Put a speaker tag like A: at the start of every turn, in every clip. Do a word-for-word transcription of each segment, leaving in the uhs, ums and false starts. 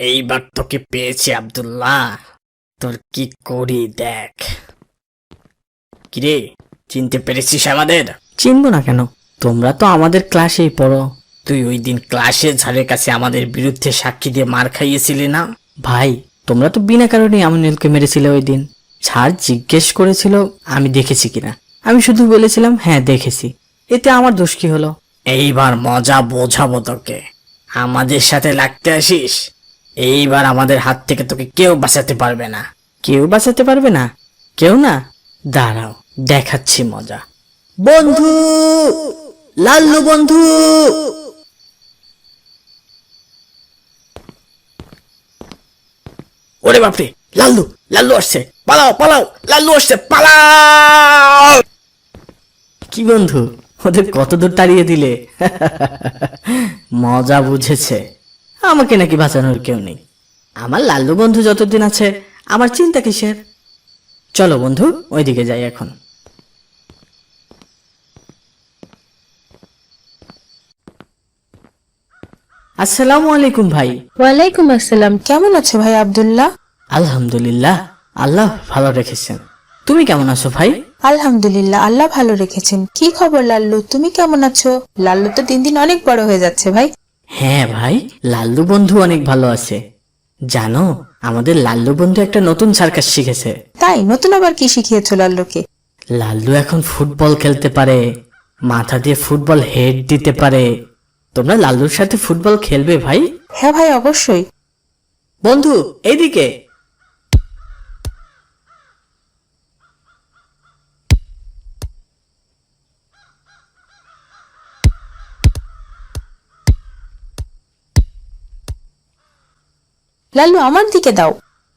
A: এইবার তোকে পেয়েছি আব্দুল্লাহ, তোর কি করি দেখ। কিরে, চিনতে পেরেছিস আমাদের? চিনবো না কেন, তোমরা তো আমাদের ক্লাসেই পড়ো। তুই ওই দিন ক্লাসের ঝাড়ের কাছে আমাদের বিরুদ্ধে সাক্ষী দিয়ে মার খাইয়েছিলি না? ভাই, তোমরা তো বিনা কারণে আমিনুলকে মেরেছিলে ওই দিন। স্যার জিজ্ঞেস করেছিল আমি দেখেছি কিনা, আমি শুধু বলেছিলাম হ্যাঁ দেখেছি, এতে আমার দোষ কি হলো? এইবার মজা বোঝাবো তোকে। আমাদের সাথে লাগতে আসিস, এইবার আমাদের হাত থেকে তোকে কেউ বাঁচাতে পারবে না। কেউ বাঁচাতে পারবে না? কেউ না? দাঁড়াও, দেখাচ্ছি মজা। বন্ধু, লাল্লু বন্ধু। ওরে বাপরে, লাল্লু লাল্লু আসছে, পালাও পালাও, লাল্লু আসছে, পালাও। কি বন্ধু, ওদের কত দূর তাড়িয়ে দিলে? মজা বুঝেছে। আমাকে নাকি বাঁচানোর কেউ নেই। আমার লাল্লু বন্ধু যতদিন আছে আমার চিন্তা কিসের? চলো বন্ধু, ওইদিকে যাই এখন। আসসালামু আলাইকুম ভাই।
B: ওয়ালাইকুম আসসালাম। কেমন আছো ভাই আব্দুল্লাহ?
A: আলহামদুলিল্লাহ, আল্লাহ ভালো রেখেছেন। তুমি কেমন আছো ভাই?
B: আলহামদুলিল্লাহ, আল্লাহ ভালো রেখেছেন। কি খবর লাল্লু, তুমি কেমন আছো? লাল্লু তো দিন দিন অনেক বড় হয়ে যাচ্ছে ভাই।
A: হ্যাঁ ভাই, লাল্লু বন্ধু অনেক ভালো আছে। জানো, আমাদের লাল্লু বন্ধু একটা নতুন সার্কাস শিখেছে।
B: তাই? নতুন আবার কি শিখিয়েছো লাল্লুকে?
A: লাল্লু এখন ফুটবল খেলতে পারে, মাথা দিয়ে ফুটবল হেড দিতে পারে। তোমরা লাল্লুর সাথে ফুটবল খেলবে ভাই?
B: হ্যাঁ ভাই, অবশ্যই।
A: বন্ধু এইদিকে।
B: লাল্লু আমার দিকে দাও।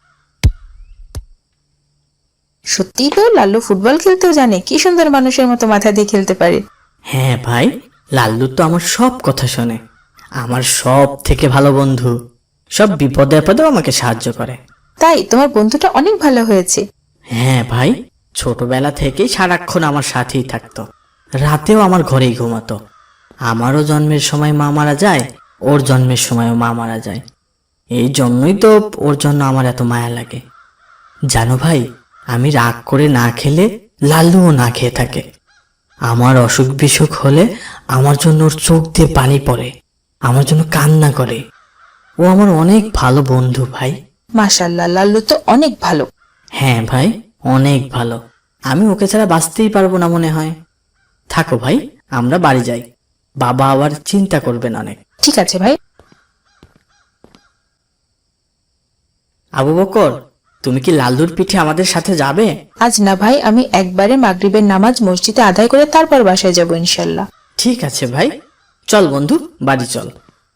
B: সত্যিই তো লাল্লু ফুটবল খেলতেও জানে। কি সুন্দর মানুষের মতো মাথা দিয়ে খেলতে পারে।
A: হ্যাঁ ভাই, লাল্লু তো আমার সব কথা শোনে, আমার সব থেকে ভালো বন্ধু। সব বিপদে আপদেও আমাকে সাহায্য করে।
B: তাই? তোমার বন্ধুটা অনেক ভালো হয়েছে।
A: হ্যাঁ ভাই, ছোটবেলা থেকেই সারাক্ষণ আমার সাথেই থাকতো, রাতেও আমার ঘরেই ঘুমাতো। আমারও জন্মের সময় মা মারা যায়, ওর জন্মের সময়ও মা মারা যায়। এই জন্যই তো ওর জন্য আমার এত মায়া লাগে। জানো ভাই, আমি রাগ করে না খেলে লাল্লুও না খেয়ে থাকে। আমার অসুখ বিসুখ হলে আমার জন্য ওর চোখ দিয়ে পানি পড়ে, আমার জন্য কান্না করে। ও আমার অনেক ভালো বন্ধু ভাই।
B: মাশাআল্লাহ, লাল্লু তো অনেক ভালো।
A: হ্যাঁ ভাই, অনেক ভালো। আমি ওকে ছাড়া বাঁচতেই পারবো না মনে হয়। থাকো ভাই, আমরা বাড়ি যাই, বাবা আবার চিন্তা করবেন অনেক।
B: ঠিক আছে ভাই।
A: আবু বকর, তুমি কি লাল্লুর পিঠে আমাদের সাথে যাবে?
B: আজ না ভাই, আমি একবারে মাগরিবের নামাজ মসজিদে আদায় করে তারপর বাসায় যাব ইনশাল্লাহ।
A: ঠিক আছে ভাই, চল বন্ধু, বাড়ি চল।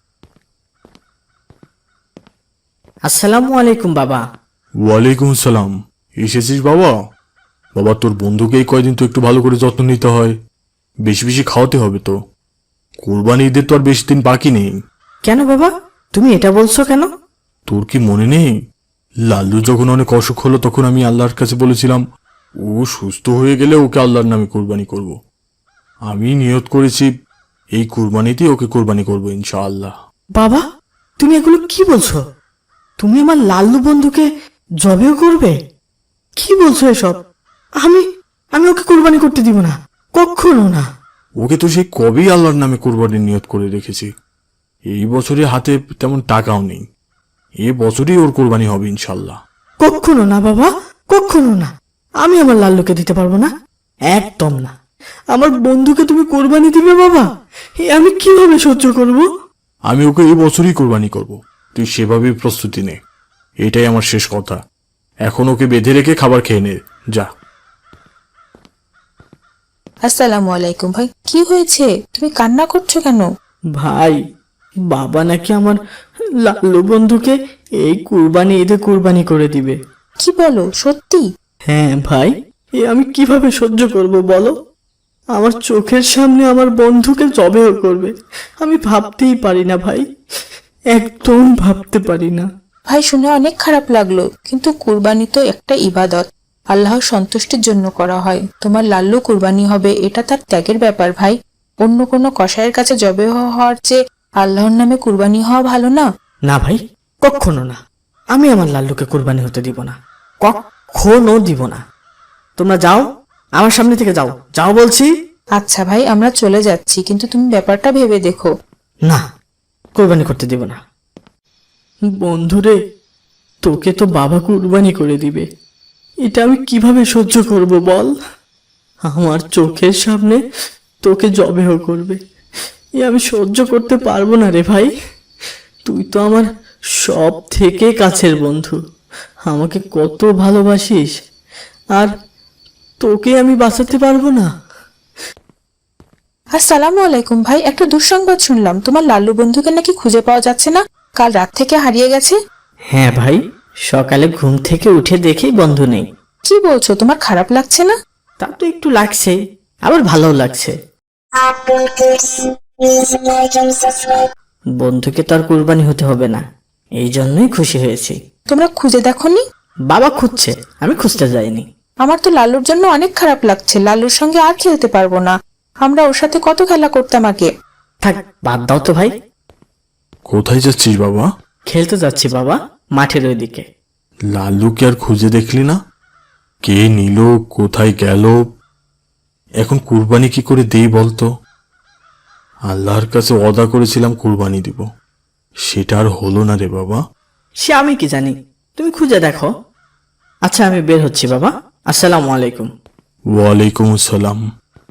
A: আসসালামু আলাইকুম বাবা।
C: ওয়ালাইকুম আসসালাম। এসেছিস বাবা? বাবা, তোর বন্ধুকে এই কয়দিন তো একটু ভালো করে যত্ন নিতে হয়, বেশি বেশি খাওয়াতে হবে তো। কোরবানি ঈদের তো আর বেশি দিন বাকি নেই।
A: কেন বাবা, তুমি এটা বলছো কেন?
C: তোর কি মনে নেই, লাল্লু যখন অনেক অসুখ হলো তখন আমি আল্লাহর কাছে বলেছিলাম ও সুস্থ হয়ে গেলে ওকে আল্লাহর নামে কোরবানি করব। আমি নিয়ত করেছি এই কোরবানিতেই ওকে কোরবানি করবো ইনশাআল্লাহ।
A: বাবা, তুমি এগুলো কি বলছো? তুমি আমার লাল্লু বন্ধুকে জবেও করবে? কি বলছো এসব? আমি আমি ওকে কোরবানি করতে দিব না, কখনো না।
C: ওকে তো সেই কবেই আল্লাহর নামে কোরবানির নিয়ত করে রেখেছি। এই বছরে হাতে তেমন টাকাও নেই, এ বছরই ওর কোরবানি হবে ইনশাল্লাহ।
A: কখনো না বাবা, কখনো না। আমি আমার লাল্লুকে দিতে পারবো না, একদম না। আমার বন্ধুকে তুমি কোরবানি দিবে বাবা? এ আমি কিভাবে সহ্য করব?
C: আমি ওকে এই বছরই কোরবানি করব, তুই সেভাবেই প্রস্তুতি নে। এটাই আমার শেষ কথা। এখন ওকে বেঁধে রেখে খাবার খেয়ে নে, যা।
B: আসসালামু আলাইকুম ভাই। কি হয়েছে, তুমি কান্না করছো কেন?
A: ভাই, বাবা নাকি আমার লাল্লু বন্ধুকে এই কুরবানি ঈদে কুরবানি করে দিবে।
B: কি বলো, সত্যি?
A: হ্যাঁ ভাই, এ আমি কিভাবে সহ্য করব বলো? আমার চোখের সামনে আমার বন্ধুকে জবেও করবে। আমি ভাবতেই পারি না ভাই, একদম ভাবতে পারি না।
B: ভাই, শুনে অনেক খারাপ লাগলো, কিন্তু কুরবানি তো একটা ইবাদত, আল্লাহর সন্তুষ্টির জন্য করা হয়। তোমার লাল্লু কুরবানি হবে, এটা তার ত্যাগের ব্যাপার ভাই। অন্য কোনো কসাইয়ের কাছে জবে হওয়ার চেয়ে আল্লাহর নামে কুরবানি হওয়া ভালো না?
A: না ভাই, কখনো না, আমি আমার লাল্লুকে কুরবানি হতে দিব না, কখনো দিব না। তোমরা যাও, আমার সামনে থেকে যাও, যাও বলছি।
B: আচ্ছা ভাই, আমরা চলে যাচ্ছি, কিন্তু তুমি ব্যাপারটা ভেবে দেখো।
A: না, কুরবানি করতে দিব না। বন্ধুরে, তোকে তো বাবা কুরবানি করে দিবে, এটা আমি কিভাবে সহ্য করব বল? আমার চোখের সামনে তোকে জবেহ করবে, এ আমি সহ্য করতে পারবো না রে ভাই। তুই তো আমার সব থেকে কাছের বন্ধু, আমাকে কত ভালোবাসিস, আর তোকে আমি বাঁচাতে পারবো না।
B: আসসালামু আলাইকুম ভাই, একটা দুঃসংবাদ শুনলাম, তোমার লাল্লু বন্ধুকে নাকি খুঁজে পাওয়া যাচ্ছে না, কাল রাত থেকে হারিয়ে গেছে।
A: হ্যাঁ ভাই, সকালে ঘুম থেকে উঠে দেখি বন্ধু নেই।
B: কি বলছো, তোমার খারাপ লাগছে না?
A: তা তো একটু লাগছে, আবার ভালোও লাগছে। বন্ধুকে তো আর কুরবানি হতে হবে না, এই জন্যই খুশি হয়েছি।
B: তোমরা খুঁজে দেখোনি?
A: বাবা খুঁজছে, আমি খুঁজতে যাইনি।
B: আমার তো লাল্লুর জন্য অনেক খারাপ লাগছে, লাল্লুর সঙ্গে আর খেলতে পারবো না, আমরা ওর সাথে কত খেলা করতাম আগে।
A: থাক, বাদ দাও তো ভাই।
C: কোথায় যাচ্ছিস বাবা?
A: খেলতে যাচ্ছি বাবা, মাঠের ওইদিকে।
C: লাল্লুকে আর খুঁজে দেখলি না? কে নিল, কোথায় গেল? এখন কুরবানি কি করে দেই বলতো? আল্লাহর কাছে ওয়াদা করেছিলাম কুরবানি দিব, সেটা আর হলো না রে বাবা।
A: সে আমি কি জানি, তুমি খুঁজে দেখো। আচ্ছা, আমি বের হচ্ছি বাবা, আসসালামু আলাইকুম।
C: ওয়ালাইকুম আসসালাম।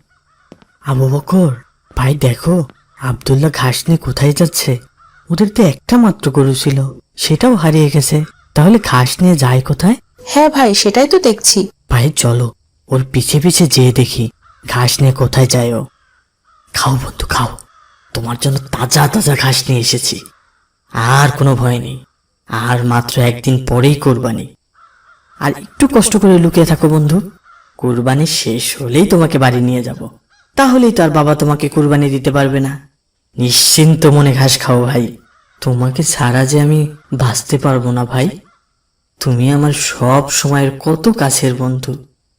A: আবু বকর ভাই, দেখো আব্দুল্লাহ ঘাস নিয়ে কোথায় যাচ্ছে? ওদের তো একটা মাত্র গরু ছিল, সেটাও হারিয়ে গেছে, তাহলে ঘাস নিয়ে যায় কোথায়?
B: হ্যাঁ ভাই, সেটাই তো দেখছি।
A: ভাই চলো, ওর পিছে পিছে যেয়ে দেখি ঘাস নিয়ে কোথায় যায় ও। খাও বন্ধু খাও, তোমার জন্য তাজা তাজা ঘাস নিয়ে এসেছি। আর কোনো ভয় নেই, আর মাত্র একদিন পরেই কোরবানি। আর একটু কষ্ট করে লুকিয়ে থাকো বন্ধু, কোরবানি শেষ হলেই তোমাকে বাড়ি নিয়ে যাব, তাহলেই তো আর বাবা তোমাকে কোরবানি দিতে পারবে না। নিশ্চিন্ত মনে ঘাস খাও ভাই, তোমাকে ছাড়া যে আমি বাঁচতে পারবো না ভাই। তুমি আমার সব সময়ের কত কাছের বন্ধু,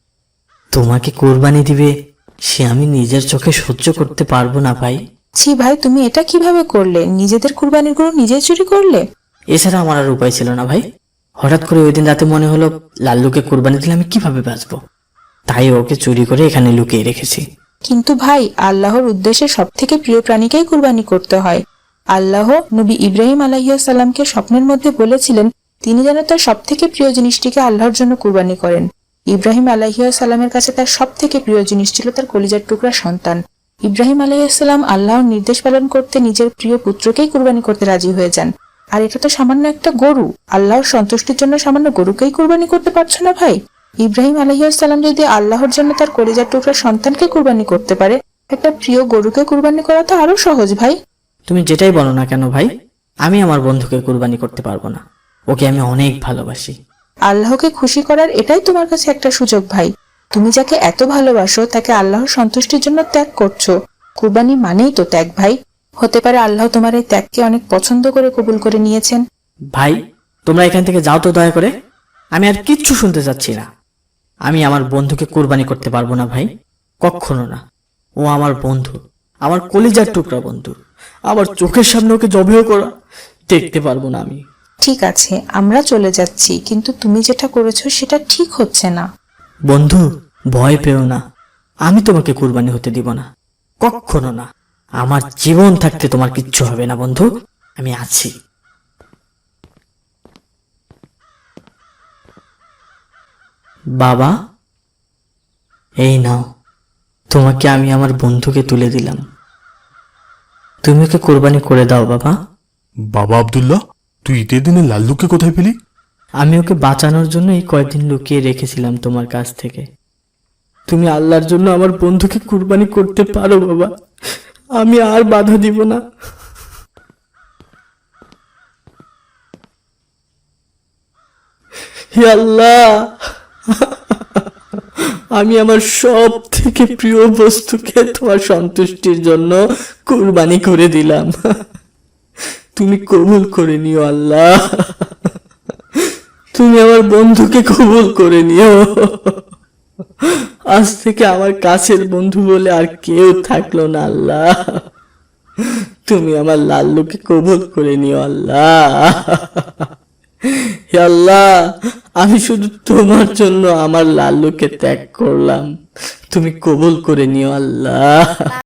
A: তোমাকে কোরবানি দিবে সে আমি নিজের চোখে সহ্য করতে পারবো না ভাই।
B: ছি ভাই, তুমি এটা কিভাবে করলে? নিজেদের কুরবানির গরু নিজে চুরি করলে?
A: এছাড়া আমার আর উপায় ছিল না ভাই। হঠাৎ করে ওই দিন রাতে মনে হলো লাল্লুকে কোরবানি দিলে আমি কিভাবে বাঁচবো, তাই ওকে চুরি করে এখানে লুকিয়ে রেখেছি।
B: কিন্তু ভাই, আল্লাহর উদ্দেশ্যে সব থেকে প্রিয় প্রাণীকেই কুরবানি করতে হয়। আল্লাহ নবী ইব্রাহিম আলাইহিসসালামকে স্বপ্নের মধ্যে বলেছিলেন তিনি যেন তার সব থেকে প্রিয় জিনিসটিকে আল্লাহর জন্য কুরবানি করেন। ইব্রাহিম আলাইহিসসালামের কাছে তার সব থেকে প্রিয় জিনিস ছিল তার কলিজার টুকরা সন্তান। ইব্রাহিম আলাইহিসসালাম আল্লাহর নির্দেশ পালন করতে নিজের প্রিয় পুত্রকেই কুরবানি করতে রাজি হয়ে যান। আর এটা তো সামান্য একটা গরু, আল্লাহর সন্তুষ্টির জন্য সামান্য গরুকেই কুরবানি করতে পারছো না ভাই? ইব্রাহিম আলাইহিসসালাম যদি আল্লাহর জন্য তার কলিজার টুকরা সন্তানকে কুরবানি করতে পারে, একটা প্রিয় গরুকে কুরবানি করা তো আরো সহজ ভাই।
A: তুমি যেটাই বলো না কেন ভাই, আমি আমার বন্ধুকে কুরবানি করতে পারবো না, ওকে আমি অনেক ভালোবাসি।
B: আল্লাহকে খুশি করার এটাই তোমার কাছে একটা সুযোগ ভাই। তুমি যাকে এত ভালোবাসো তাকে আল্লাহর সন্তুষ্টির জন্য ত্যাগ করছো, কুরবানি মানেই তো ত্যাগ ভাই। হতে পারে আল্লাহ তোমার এই ত্যাগকে অনেক পছন্দ করে কবুল করে নিয়েছেন।
A: ভাই তোমরা এখান থেকে যাও তো দয়া করে, আমি আর কিচ্ছু শুনতে চাচ্ছি না। আমি আমার বন্ধুকে কুরবানি করতে পারবো না ভাই, কখনো না। ও আমার বন্ধু, আমার কলিজার টুকরা বন্ধু, আমার চোখের সামনে ওকে জবেও করা দেখতে পারবো না আমি।
B: ঠিক আছে, আমরা চলে যাচ্ছি, কিন্তু তুমি যেটা করেছো সেটা ঠিক হচ্ছে না।
A: বন্ধু ভয় পেও না, আমি তোমাকে কুরবানি হতে দিব না, কখনো না। আমার জীবন থাকতে তোমার কিচ্ছু হবে না বন্ধু, আমি আছি। বাবা এই নাও, তোমাকে আমি আমার বন্ধুকে তুলে দিলাম, তুমি ওকে কোরবানি করে দাও বাবা।
C: বাবা আব্দুল্লাহ, তুই ঈদের দিনে লাল্লুকে কোথায় পেলি?
A: আমি ওকে বাঁচানোর জন্য এই কয়েকদিন লুকিয়ে রেখেছিলাম তোমার কাছ থেকে। তুমি আল্লাহর জন্য আমার বন্ধুকে কুরবানি করতে পারো বাবা, আমি আর বাধা দিব না। হে আল্লাহ, আমি আমার সব থেকে প্রিয় বস্তুকে তোমার সন্তুষ্টির জন্য কুরবানি করে দিলাম, তুমি কবুল করে নিও আল্লাহ, তুমি আমার বন্ধুকে কবুল করে নিও। আজ থেকে আমার কাছের বন্ধু বলে আর কেউ থাকলো না আল্লাহ, তুমি আমার লাল্লুকে কবুল করে নিও আল্লাহ। হে আল্লাহ, আমি শুধু তোমার জন্য আমার লাল্লুকে ত্যাগ করলাম, তুমি কবুল করে নিও আল্লাহ।